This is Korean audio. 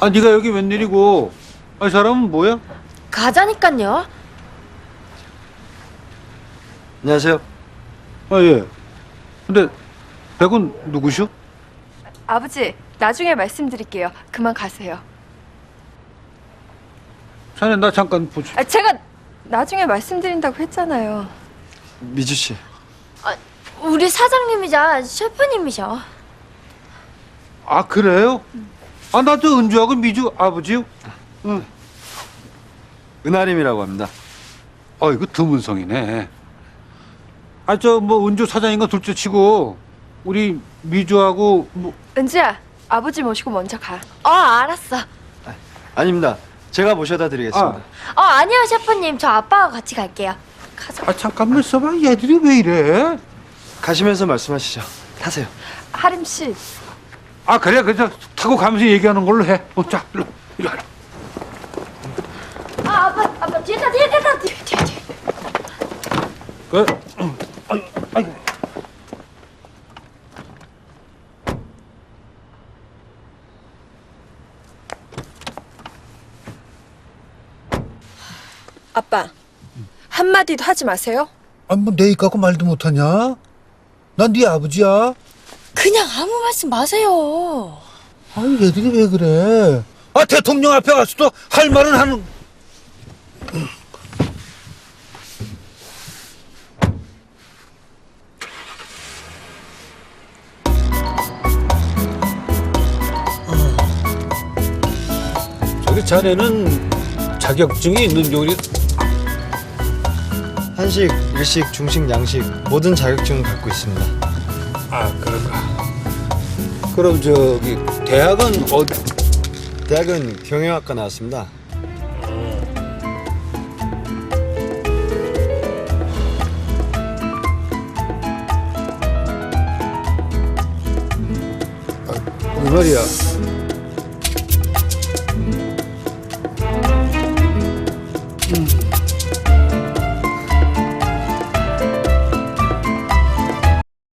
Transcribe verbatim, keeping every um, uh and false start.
아, 네가 여기 웬일이고? 아, 이 사람은 뭐야? 가자니깐요. 안녕하세요. 아, 예. 근데 백은 누구시오? 아버지, 나중에 말씀드릴게요. 그만 가세요. 자네 나 잠깐 보지. 아, 제가 나중에 말씀드린다고 했잖아요. 미주 씨. 아, 우리 사장님이자 셰프님이셔. 아, 그래요? 아, 나 저 은주하고 미주 아버지요? 응. 은하림이라고 합니다. 아, 이거 드문성이네. 아, 저 뭐 은주 사장인가 둘째 치고 우리 미주하고 뭐 은지야, 아버지 모시고 먼저 가. 어, 알았어. 아닙니다. 제가 모셔다 드리겠습니다. 어, 아니요, 셰프님. 저 아빠가 같이 갈게요. 가자. 아, 잠깐만 있어봐. 얘들이 왜 이래? 가시면서 말씀하시죠. 타세요. 하림 씨, 아, 그래, 그냥 타고 가면서 얘기하는 걸로 해. 어, 자, 일로, 일로 와라. 아, 아빠, 아빠, 뒤에 타, 뒤에 타, 뒤에, 뒤에, 뒤에. 그, 아이, 아이. 아빠, 한마디도 하지 마세요. 아, 뭐 내 입 갖고 말도 못하냐? 난 네 아버지야. 그냥 아무 말씀 마세요. 아니, 얘들이 왜 그래? 아, 대통령 앞에 가서도 할 말은 하는. 저기 자네는 자격증이 있는 요리. 한식, 일식, 중식, 양식 모든 자격증을 갖고 있습니다. 아, 그런가. 그럼 저기 대학은 어디? 대학은 경영학과 나왔습니다. 그 말이야.